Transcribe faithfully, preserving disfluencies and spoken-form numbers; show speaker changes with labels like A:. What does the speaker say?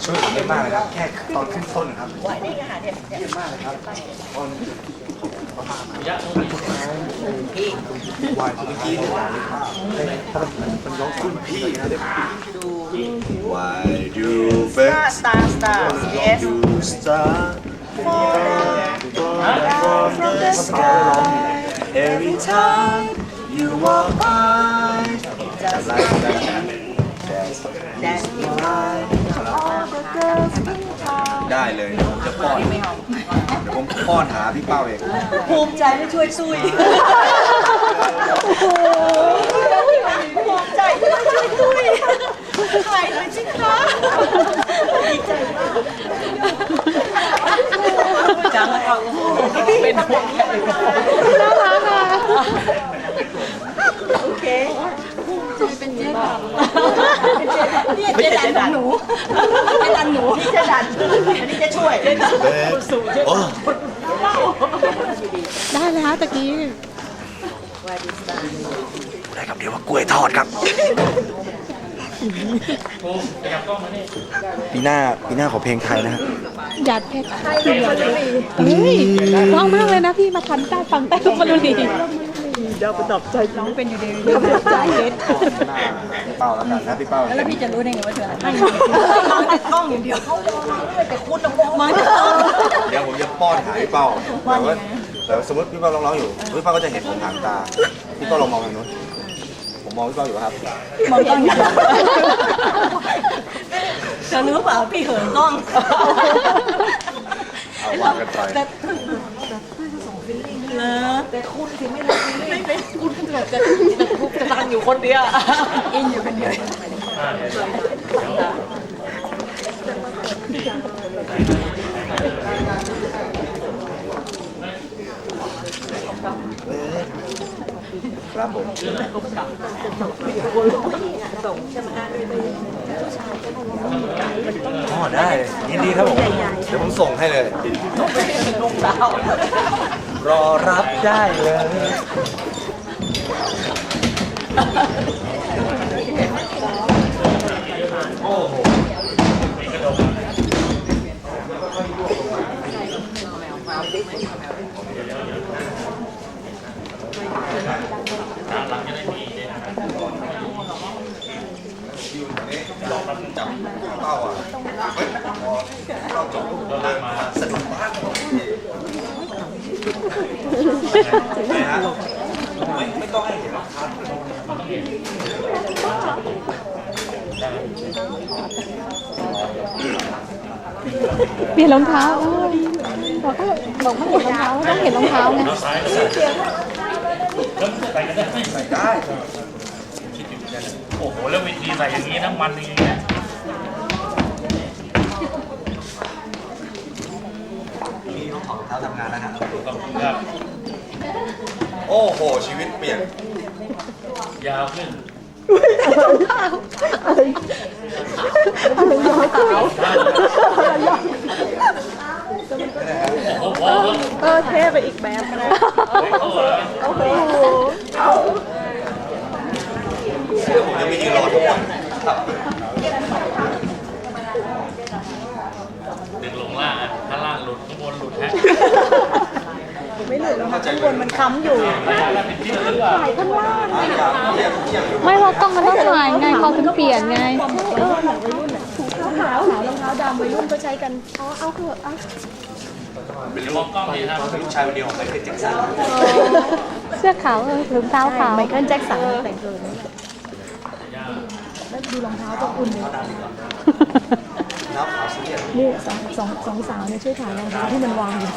A: ช่วยผมได้มากเลยครับแค่ตอนขึ้นต้นนะครับ
B: ไหวได้ไงหาเนี่ย
A: เยี่ยมมากเลยครับตอนพี่วายคุณพี่เนี่ยมันร้องคุณพี่นะดู Why do birds
B: สตาร์สตาร์ yes
A: do start from the sky every time you walk by just like that that's
B: that's
A: why ได้เลยเดี๋ยวผมจะป้อนเดี๋ยวผมป้อนหาพี่เป้าเอง
B: ภูมิใจที่ช่วยซุยภูมิใจที่ช่วยซุยถ่ายหน่อยสิคะดีใจมากจังเราเป็นห่วงน่ารักค่ะโอเคเป็นเจ๊ดันนี่เจ๊ดันของหนูเจ๊ดันหนูนี่เจ๊ดันอันนี้จะช่วยเจ๊ดันสู่เจ๊ดัน
C: ได้เลยฮะตะกี้
A: ได้ครับเดี๋ยวว่ากล้วยทอดครับปีหน้าปีหน้าขอเพลงไทยนะฮะ
C: หยาดเพชรเฮ้ยร้องมากเลยนะพี่มาทันใต้ฟังใต้ทุกมาดูดีเดี๋ยวประดับใจน้องเป็นอยู่ดีเดี๋ยวประดับใจเพชร
A: พี่เป้าแล้วกันนะพี่เป้า
B: แล้วพี่จะรู้ได้ไงว่าเธออะไรมองแต่กล้องอย่างเดียวเขาแต่คุณต้องมองแต่กล้อง
A: เดี๋ยวผมจะป้อนหาพี่เป้าแต่ว่าแต่สมมติพี่เป้าร้องๆอยู่พี่เป้าก็จะเห็นผมหางตาพี่เป้าลองมองทางนู้นผมมองพี่เป้าอยู่ครับ
B: มองกล้องอย่างเดียวเธอรู้เปล่าพี่เหินกล้อง
A: เอาวางกันไป
B: แต่เลอแต่คุณถึงไม่รู้ไม่เป็นคุณจะจะจะตังอยู่คนเดียวอินอยู่คนเดียว
A: ครับผมอ๋อได้ยินดีครับผมเดี๋ยวผมส่งให้เลยรอรับได้เลยโอ้โหจับเป้าอ่ะเราจบมาสนุกมากไม่ฮะไม่ไม่ต้องให้เห็นหรอกครับ
C: เปลี่ยนรองเท้าบอกเขาบอกเขาเห็นรองเท้าต้องเห็นรองเท้าไง
A: ใส่ได้
D: โอ้โหแล้ววิธีใส่อย่างนี้น้ำมันอย่างนี้เนี่ย
A: นี่ต้องถอดรองเท้าทำงานแล้วฮะ
D: ครับ
A: โอ้โหชีวิตเปลี่ยน
D: ยาวขึ้น โอ้โห
C: เออเท่ไปอีกแบบนะ
D: โอ้โห
C: โอ้โห
A: เดี๋ยวผมจะไม่ยืนรอทุกวันครับ
D: ดึงลงล่างอ่ะข้างล่างหลุดข้างบนหลุดฮะ
C: ไม่หลุดแล้วค่ะข้างบนมันค้ำอยู่
D: แล้วเป็นที่หรือเปล่า
C: ข้างล่าง
A: อยากเยี่ยมเยี่ยมอยู่
C: ไม่เพราะกล้องมันต้องถ่ายไงเขาถึงเปลี่ยนไงเออถุงเท้าขาวรองเท้าดำวัยรุ่นก็ใช้กันอ๋อเอาเถอะเอา
D: เป็นมองกล้องดีครับ
A: เป็นลูกชายคนเดียวของไมเคิลแจ็คสัน
C: เสื้อขาวเออถุงเท้าขาวไมเคิลแจ็คสันแต่งตัวนี้แล้วดูรองเท้าต้องอุ่นเลย
A: น้ำขาวสีเหลือง
C: นี่สองสองสองสาวเนี่ยช่วยถ่ายรองเท้าที่มันวางอยู่